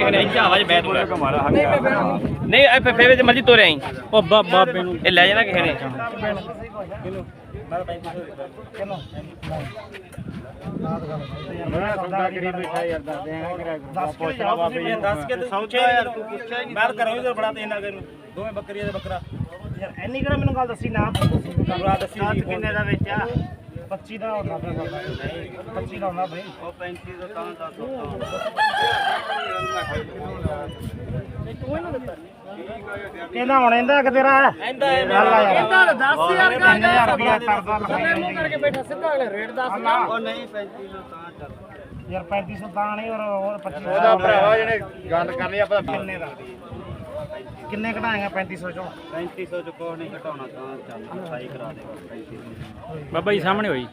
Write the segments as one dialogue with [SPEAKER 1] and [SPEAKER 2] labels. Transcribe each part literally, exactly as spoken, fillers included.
[SPEAKER 1] ਨੇ ਇੱਥੇ ਆਵਾਜ਼ ਬੈਠ ਹੋ ਨਹੀਂ ਇਹ ਫੇਵੇ ਤੇ ਮਰਜੀ ਤੋਰੇ ਆਈ
[SPEAKER 2] ਉਹ ਬਾਬੇ ਨੂੰ
[SPEAKER 1] ਇਹ ਲੈ ਜਾਣਾ ਕਿਸੇ ਨੇ
[SPEAKER 3] ਦੱਸ ਕੇ ਸੌਚਿਆ ਯਾਰ ਤੂੰ ਪੁੱਛਿਆ ਹੀ ਮੈਂ ਕਰਾਂ ਇਧਰ ਬੜਾ ਤੇ ਇਹਨਾਂ ਨੂੰ ਦੋਵੇਂ ਬੱਕਰੀਆਂ ਦੇ ਬੱਕਰਾ ਯਾਰ ਐਨੀ ਕਿਹੜਾ ਮੈਨੂੰ ਗੱਲ ਦੱਸੀ ਨਾ ਦੱਸੀ ਕਿੰਨੇ ਦਾ ਵੇਚਿਆ ਪੱਚੀ ਦਾ ਹੁੰਦਾ ਫਿਰ ਪੱਚੀ ਦਾ ਹੁੰਦਾ ਬਈ ਉਹ ਪੈਂਤੀ ਦਾ ਤਾਂ ਦੱਸ ਕਿਹਨਾਂ ਹੁਣ ਇਹਦਾ ਕਿ ਤੇਰਾ ਇਹਦਾ ਇਹਦਾ ਦਸ ਹਜ਼ਾਰ ਰੁਪਿਆ ਕਰਦਾ ਮੂੰਹ ਕਰਕੇ ਬੈਠਾ ਸਿੱਧਾ ਅਗਲੇ ਰੇਟ ਦੱਸ ਨਾ ਉਹ ਨਹੀਂ ਪੈਂਤੀ ਸੌ ਤਾਂ ਚੱਲ ਯਾਰ ਪੈਂਤੀ ਸੌ ਤਾਂ ਨਹੀਂ ਔਰ ਪੱਚੀ ਉਹਦਾ ਭਰਾਵਾ ਜਿਹਨੇ ਗੱਲ ਕਰ ਲਈ ਆਪਾਂ ਕਿੰਨੇ ਦਾ ਕਿੰਨੇ ਘਟਾਏਗਾ ਪੈਂਤੀ ਸੌ ਚੋਂ ਪੈਂਤੀ ਸੌ ਚ ਕੋਈ ਨਹੀਂ ਘਟਾਉਣਾ ਤਾਂ ਚੱਲ ਸਹੀ ਕਰਾ ਦੇ ਪੈਂਤੀ ਸੌ
[SPEAKER 2] ਬਾਬਾ ਜੀ ਸਾਹਮਣੇ ਹੋਈ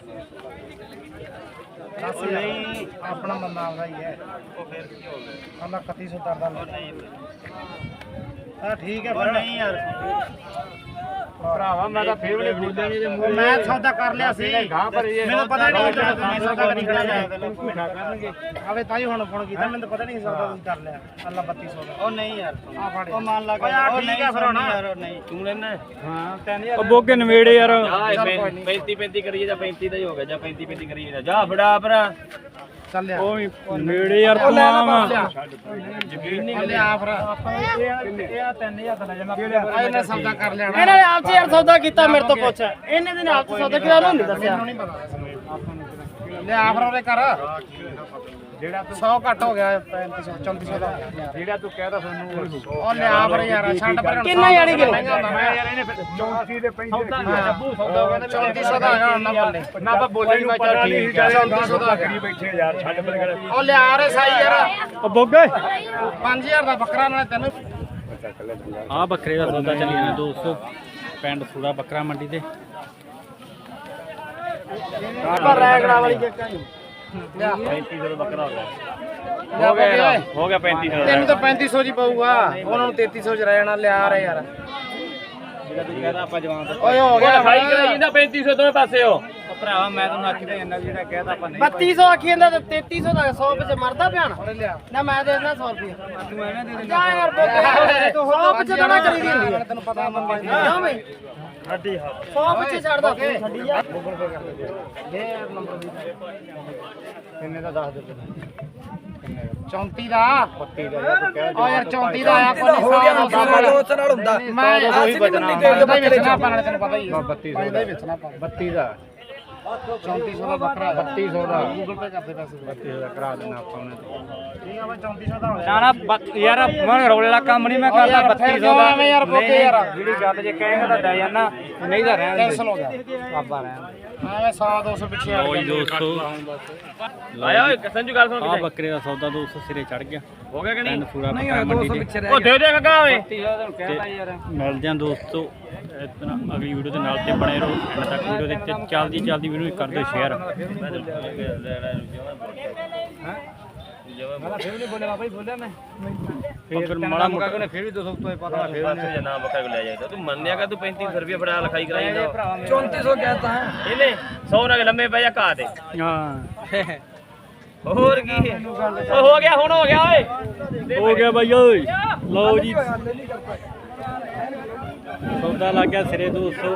[SPEAKER 3] ਦੱਸ ਨਹੀਂ ਆਪਣਾ ਬੰਦਾ ਆਉਂਦਾ ਹੀ ਹੈ ਉਹ ਫਿਰ ਕੀ ਹੋ ਗਿਆ ਆਂਦਾ ਇਕੱਤੀ ਸੌ ਕਰਦਾ ਨਹੀਂ ਹਾਂ ਠੀਕ ਹੈ ਪਰ ਨਹੀਂ ਯਾਰ ਭਰਾਵਾ ਮੈਂ ਤਾਂ ਫੇਰ ਵੀ ਬੋਲਿਆ ਨਹੀਂ ਤੇ ਮੈਂ ਸੌਦਾ ਕਰ ਲਿਆ ਸੀ ਮੈਨੂੰ ਪਤਾ ਨਹੀਂ ਕਿ ਮੈਂ ਸੌਦਾ ਨਹੀਂ ਕਰਿਆ ਝੂਠਾ ਕਰਨਗੇ ਆਵੇ ਤਾਂ ਹੀ ਹੁਣ ਫੋਨ ਕੀਤਾ ਮੈਨੂੰ ਪਤਾ ਨਹੀਂ ਸੌਦਾ ਤੁਸੀਂ ਕਰ ਲਿਆ ਅੱਲਾ ਬੱਤੀ ਸੌ ਦਾ ਉਹ ਨਹੀਂ ਯਾਰ ਆ ਫੜ ਉਹ ਮੰਨ ਲਾ ਉਹ ਠੀਕ ਹੈ ਫਿਰ ਹੁਣ ਯਾਰ ਨਹੀਂ ਤੂੰ ਲੈਣਾ ਹਾਂ ਤਿੰਨ ਹਜ਼ਾਰ
[SPEAKER 2] ਉਹ ਬੋਗੇ ਨਵੇੜੇ ਯਾਰ
[SPEAKER 1] ਪੈਂਤੀ ਪੈਂਤੀ ਕਰੀਏ ਜਾਂ ਪੈਂਤੀ ਦਾ ਹੀ ਹੋ ਗਿਆ ਜਾਂ ਪੈਂਤੀ ਪੈਂਤੀ ਕਰੀਏ ਜਾ ਫੜਾ ਭਰਾ
[SPEAKER 3] ਚੱਲ
[SPEAKER 2] ਉਹ ਨਵੇੜੇ ਯਾਰ ਪਲਾਵਾ
[SPEAKER 3] ਯਕੀਨ ਨਹੀਂ ਲਿਆ ਫਿਰ ਆਪਾਂ ਇਹ ਇਹ ਤਿੰਨ ਹਜ਼ਾਰ ਦਾ ਲੈ ਜਾਣਾ ਇਹਨੇ ਸੌਦਾ ਕਰ ਲਿਆ
[SPEAKER 4] ਇਹਨਾਂ ਨੇ ਆਪ ਚ ਯਾਰ ਸੌਦਾ ਕੀਤਾ ਮੇਰੇ ਤੋਂ ਪੁੱਛ ਇਹਨੇ ਦੇ ਨਾਲ ਸੌਦਾ ਕੀਤਾ ਉਹਨੂੰ ਨਹੀਂ ਦੱਸਿਆ
[SPEAKER 3] ਨਹੀਂ ਪਤਾ ਲਿਆ ਫਿਰ ਉਹਦੇ ਕਰ ਜਿਹੜਾ ਤੂੰ ਸੌ ਘੱਟ ਹੋ ਗਿਆ ਪੈਂਤੀ ਸੌ ਚੌਂਤੀ ਸੌ ਦਾ ਜਿਹੜਾ ਤੂੰ ਕਹਿਦਾ ਤੁਹਾਨੂੰ ਉਹ ਲਿਆ ਫਿਰ ਯਾਰ ਛੱਡ ਪਰ
[SPEAKER 4] ਕਿੰਨਾ ਯਾਰੀ ਕਿਲੋ
[SPEAKER 3] ਮੈਂ ਯਾਰ ਇਹਨੇ ਚੌਂਤੀ ਦੇ ਪੈਂਤੀ ਜੱਬੂ ਸੌਦਾ ਹੋ ਗਿਆ ਚੌਂਤੀ ਸੌ ਦਾ ਹੈਗਾ ਨਾ ਬੱਲੇ ਨਾ ਆਪਾਂ ਬੋਲੇ ਨਹੀਂ ਬੱਚਾ ਠੀਕ ਹੈ ਚੌਂਤੀ ਸੌ ਦਾ ਕਰੀ ਬੈਠੇ ਯਾਰ ਛੱਡ ਪਰ ਉਹ ਲਿਆ ਰੇ ਸਾਈ ਯਾਰ
[SPEAKER 2] ਉਹ ਬੋਗੇ
[SPEAKER 3] ਪੰਜ ਹਜ਼ਾਰ ਦਾ ਬੱਕਰਾ ਨਾਲੇ ਤੈਨੂੰ
[SPEAKER 2] ਆ ਬੱਕਰੇ ਦਾ ਸੌਦਾ ਚੱਲੀ ਜਾਂਦਾ ਦੋਸਤੋ ਪਿੰਡ ਸੂੜਾ ਬੱਕਰਾ ਮੰਡੀ ਤੇ
[SPEAKER 3] ਪਰ ਰੈਗੜਾ ਵਾਲੀ ਜੱਕਾ ਹੀ
[SPEAKER 1] ਪੈਂਤੀ ਸੌ ਦਾ ਬੱਕਰਾ ਹੋ ਗਿਆ ਹੋ ਗਿਆ ਹੋ ਗਿਆ ਪੈਂਤੀ ਸੌ
[SPEAKER 3] ਤੈਨੂੰ ਤਾਂ ਪੈਂਤੀ ਸੌ ਜੀ ਪਊਗਾ ਉਹਨਾਂ ਨੂੰ ਤੇਤੀ ਸੌ ਚ ਰਹਿ ਜਾਣਾ ਲਿਆ ਰੇ ਯਾਰ
[SPEAKER 1] ਜਿਹੜਾ ਤੂੰ ਕਹਿੰਦਾ ਆਪਾਂ ਜਵਾਨ
[SPEAKER 3] ਓਏ ਹੋ ਗਿਆ
[SPEAKER 1] ਖਾਈ ਕਰਾਈ ਜਾਂਦਾ ਪੈਂਤੀ ਸੌ ਦੋਵੇਂ ਪਾਸੇ ਹੋ
[SPEAKER 3] ਭਰਾਵਾ ਮੈਂ ਤੁਹਾਨੂੰ ਆਖੀ ਤਾਂ ਜਾਂਦਾ ਜਿਹੜਾ ਕਹਿਦਾ ਆਪਾਂ ਨਹੀਂ
[SPEAKER 4] ਬੱਤੀ ਸੌ ਆਖੀ ਜਾਂਦਾ ਤੇ ਤੇਤੀ ਸੌ ਦਾ ਸੌ ਵਿੱਚ ਮਰਦਾ ਪਿਆ ਨਾ ਨਾ ਮੈਂ ਦੇ ਦਿੰਦਾ ਸੌ ਰੁਪਏ
[SPEAKER 3] ਤੂੰ ਐਵੇਂ ਦੇ ਦੇ
[SPEAKER 4] ਜਾ ਯਾਰ ਬੋਕੇ ਸੌ ਵਿੱਚ ਤਾਂ ਨਾ ਕਰੀ ਦੀ ਹੁੰਦੀ ਹੈ
[SPEAKER 3] ਤੈਨੂੰ ਪਤਾ ਮੰਮੀ
[SPEAKER 4] ਕਿਉਂ ਬਈ
[SPEAKER 3] ਹੱਡੀ ਹੱਥ
[SPEAKER 4] ਸੌ ਵਿੱਚ ਛੱਡਦਾ ਛੱਡੀ ਜਾ
[SPEAKER 3] ਗੂਗਲ ਪੇ ਕਰ ਦੇ ਦੇ ਯਾਰ ਨੰਬਰ ਦੀ ਕਿੰਨੇ ਦਾ ਦੱਸ ਦੇ ਚੌਂਤੀ ਦਾ ਬੱਤੀ ਦਾ ਯਾਰ ਕਹਿ ਓ ਯਾਰ ਚੌਂਤੀ ਦਾ ਆਇਆ ਕੋਈ ਹੋ ਗਿਆ ਦੋਸਤ ਨਾਲ ਹੁੰਦਾ ਮੈਂ ਅਸੀਂ ਵੀ ਮੰਡੀ ਦੇ ਵੇਚਣਾ ਆਪਾਂ ਨਾਲ ਤੈਨੂੰ ਪਤਾ ਹੀ ਹੈ ਬੱਤੀ ਦਾ ਹੀ ਵੇਚਣਾ ਆਪਾਂ ਬੱਤੀ ਦਾ ਚੌਂਤੀ ਸੌ ਦਾ ਬੱਕਰਾ ਬੱਤੀ ਸੌ ਦਾ ਗੂਗਲ ਪੇ ਕਰਦੇ ਪੈਸੇ ਬੱਤੀ ਸੌ ਦਾ ਕਰਾ ਦੇਣਾ ਆਪਾਂ ਉਹਨੇ ਠੀਕ ਆ ਬਈ ਚੌਂਤੀ ਸੌ ਦਾ ਹੋ
[SPEAKER 2] ਨਾ ਨਾ ਯਾਰ ਮੈਂ ਰੋਲੇ ਵਾਲਾ ਕੰਮ ਨਹੀਂ ਮੈਂ ਕਰਦਾ ਬੱਤੀ ਸੌ ਦਾ
[SPEAKER 3] ਐਵੇਂ ਯਾਰ ਬੋਕੇ ਯਾਰ
[SPEAKER 2] ਜਿਹੜੀ ਗੱਲ ਜੇ ਕਹੇਗਾ ਤਾਂ ਲੈ ਜਾਣਾ ਨਹੀਂ ਤਾਂ ਰਹਿਣ
[SPEAKER 3] ਕੈਂਸਲ ਹੋ ਗਿਆ
[SPEAKER 2] ਬਾਬਾ ਰਹਿਣ
[SPEAKER 3] ਐਵੇਂ ਸੌ ਦੋ ਸੌ ਪਿੱਛੇ ਆ
[SPEAKER 2] ਓਏ ਦੋਸਤੋ
[SPEAKER 1] ਲਾਇਆ ਓਏ ਸੰਜੂ ਗੱਲ ਸੁਣ
[SPEAKER 2] ਆ ਬੱਕਰੇ ਦਾ ਸੌਦਾ ਦੋਸਤੋ ਸਿਰੇ ਚੜ ਗਿਆ
[SPEAKER 1] ਹੋ ਗਿਆ ਕਿ ਨਹੀਂ
[SPEAKER 2] ਪਿੰਡ ਸੂੜਾ ਬੱਕਰਾ ਮੰਡੀ ਤੇ
[SPEAKER 1] ਉਹ ਦੇ ਦੇ ਕਗਾ ਓਏ
[SPEAKER 2] ਮਿਲ ਜਾਂ ਦੋਸਤੋ ਇਤਨਾ ਅਗਲੀ ਵੀਡੀਓ ਦੇ ਨਾਲ ਤੇ ਬਣੇ ਰਹੋ ਐਂਡ ਤੱਕ ਵੀਡੀਓ ਦੇ ਚ ਚੱਲਦੀ ਚੱਲਦੀ ਵੀਡੀਓ ਕਰ ਦਿਓ ਸ਼ੇਅਰ
[SPEAKER 3] ਮੈਂ ਫਿਰ ਨਹੀਂ ਬੋਲਿਆ ਬਾਬਾ ਜੀ ਬੋਲਿਆ ਮੈਂ
[SPEAKER 2] ਫਿਰ ਮਾੜਾ ਮੋਟਾ
[SPEAKER 3] ਉਹਨੇ ਫਿਰ ਵੀ ਦੋ ਸੌ ਤੋਂ ਪਤਾ ਫਿਰ
[SPEAKER 1] ਪਾਸੇ ਜਨਾ ਬੱਕਰਾ ਲੈ ਜਾਈਦਾ ਤੂੰ ਮੰਨਿਆ ਕਿ ਤੂੰ ਪੈਂਤੀ ਸੌ ਰੁਪਏ ਫੜਾ ਲਿਖਾਈ ਕਰਾਈ ਜਾਂਦਾ
[SPEAKER 3] ਚੌਂਤੀ ਸੌ ਕਹਿਤਾ ਹੈ
[SPEAKER 1] ਇਹਨੇ ਸੌ ਨਾਲ ਲੰਮੇ ਪੈ ਜਾ ਘਾ ਤੇ
[SPEAKER 2] ਹਾਂ
[SPEAKER 1] ਹੋਰ ਕੀ ਉਹ ਹੋ ਗਿਆ ਹੁਣ ਹੋ ਗਿਆ ਓਏ
[SPEAKER 2] ਹੋ ਗਿਆ ਬਾਈ ਓਏ ਲਓ ਜੀ ਸੌਦਾ ਲੱਗ ਗਿਆ ਸਿਰੇ ਦੋਸਤੋ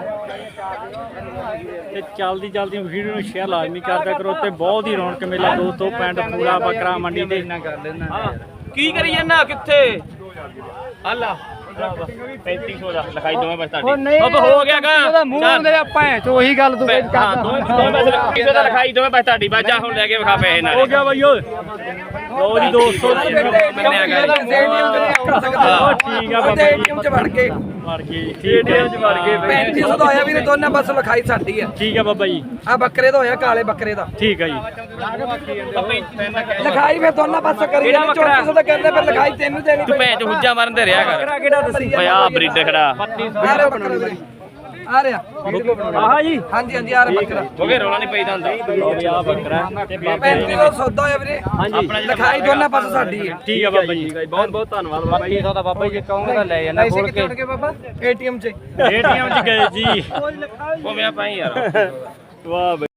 [SPEAKER 2] ਤੇ ਚੱਲਦੀ ਚੱਲਦੀ ਵੀਡੀਓ ਨੂੰ ਸ਼ੇਅਰ ਲਾਜ਼ਮੀ ਕਰਦਿਆ ਕਰੋ ਤੇ ਬਹੁਤ ਹੀ ਰੌਣਕ ਮੇਲਾ ਦੋਸਤੋ ਪਿੰਡ ਸੂੜਾ ਬੱਕਰਾ ਮੰਡੀ ਤੇ ਕਰ ਲੈਣਾ
[SPEAKER 1] ਕੀ ਕਰੀ ਜਾਂਦਾ ਕਿੱਥੇ ਅੱਲਾ ਪੈਂਤੀ ਸੌ ਦਾ ਲਿਖਾਈ ਦੋਵੇਂ ਬਸ ਤੁਹਾਡੀ ਉਹ ਹੋ ਗਿਆ ਗਾ
[SPEAKER 3] ਉਹਦਾ ਮੂੰਹ ਦੇ ਭੈਂ ਚ ਉਹੀ ਗੱਲ ਤੂੰ
[SPEAKER 1] ਹਾਂ ਦੋਵੇਂ ਦੋਵੇਂ ਬਸ ਪੈਂਤੀ ਸੌ ਦਾ ਲਿਖਾਈ ਦੋਵੇਂ ਬਸ ਤੁਹਾਡੀ ਬਸ ਜਾ ਹੁਣ ਲੈ ਕੇ ਵਿਖਾ ਪੈਸੇ ਨਾਲ
[SPEAKER 2] ਹੋ ਗਿਆ ਬਾਈ ਓਏ ਲਓ ਜੀ ਦੋਸਤੋ
[SPEAKER 1] ਮੰਨਿਆ ਗਿਆ
[SPEAKER 2] ਠੀਕ ਆ ਬਾਬਾ
[SPEAKER 5] ਏਟੀਐਮ ਚ ਵੜ ਕੇ
[SPEAKER 2] ਵੜ ਗਏ ਏਟੀਐਮ ਚ ਵੜ ਗਏ
[SPEAKER 5] ਪੈਂਤੀ ਸੌ ਦਾ ਹੋਇਆ ਵੀਰੇ ਦੋਨਾਂ ਬਸ ਲਿਖਾਈ ਸਾਡੀ ਆ
[SPEAKER 2] ਠੀਕ ਆ ਬਾਬਾ ਜੀ
[SPEAKER 5] ਆ ਬੱਕਰੇ ਦਾ ਹੋਇਆ ਕਾਲੇ ਬੱਕਰੇ ਦਾ
[SPEAKER 2] ਠੀਕ ਆ ਜੀ
[SPEAKER 5] ਲਿਖਾਈ ਫਿਰ ਦੋਨਾਂ ਪਾਸੇ ਕਰੀ ਜਾਂਦੇ ਚੌਂਤੀ ਸੌ ਦਾ ਕਰਨੇ ਫਿਰ ਲਿਖਾਈ ਤੈਨੂੰ ਦੇਣੀ
[SPEAKER 1] ਤੂੰ ਭੈਣ ਚ ਹੁੱਜਾ ਮਾਰਨ ਤੇ ਰਿਹਾ ਕਰ
[SPEAKER 5] ਕਿਹੜਾ ਦੱਸੀ
[SPEAKER 1] ਓਏ ਆ ਬਰੀਡ ਖੜਾ
[SPEAKER 5] ਆ ਰਿਹਾ ਬੱਕਰਾ ਵੀਰੇ ਆ ਰਿਹਾ
[SPEAKER 2] ਆਹ ਜੀ
[SPEAKER 5] ਹਾਂਜੀ ਹਾਂਜੀ ਆ ਰਿਹਾ ਬੱਕਰਾ
[SPEAKER 1] ਹੋ ਗਿਆ ਰੋਲਾ ਨਹੀਂ ਪਈਦਾ ਹੁੰਦਾ
[SPEAKER 2] ਆ ਬੱਕਰਾ
[SPEAKER 5] ਪੈਂਤੀ ਦਾ ਸੌਦਾ ਹੋਇਆ ਵੀਰੇ
[SPEAKER 1] ਆਪਣਾ
[SPEAKER 5] ਲਿਖਾਈ ਦੋਨਾਂ ਪਾਸੇ ਸਾਡੀ ਹੈ
[SPEAKER 2] ਠੀਕ ਆ ਬਾਬਾ ਜੀ
[SPEAKER 1] ਬਹੁਤ ਬਹੁਤ ਧੰਨਵਾਦ ਬਾਬਾ ਜੀ
[SPEAKER 2] ਦਾ ਬਾਬਾ ਜੀ ਕਹੋਗੇ ਤਾਂ ਲੈ ਜਾਣਾ
[SPEAKER 5] ਪੈਸੇ ਕਿੱਥੇ ਉੜ ਗਏ ਬਾਬਾ ਏਟੀਐਮ ਚ
[SPEAKER 2] ਏਟੀਐਮ ਚ ਗਏ ਜੀ
[SPEAKER 1] ਉਹ ਮੈਂ ਪਾਈ ਯਾਰ
[SPEAKER 2] ਵਾਹ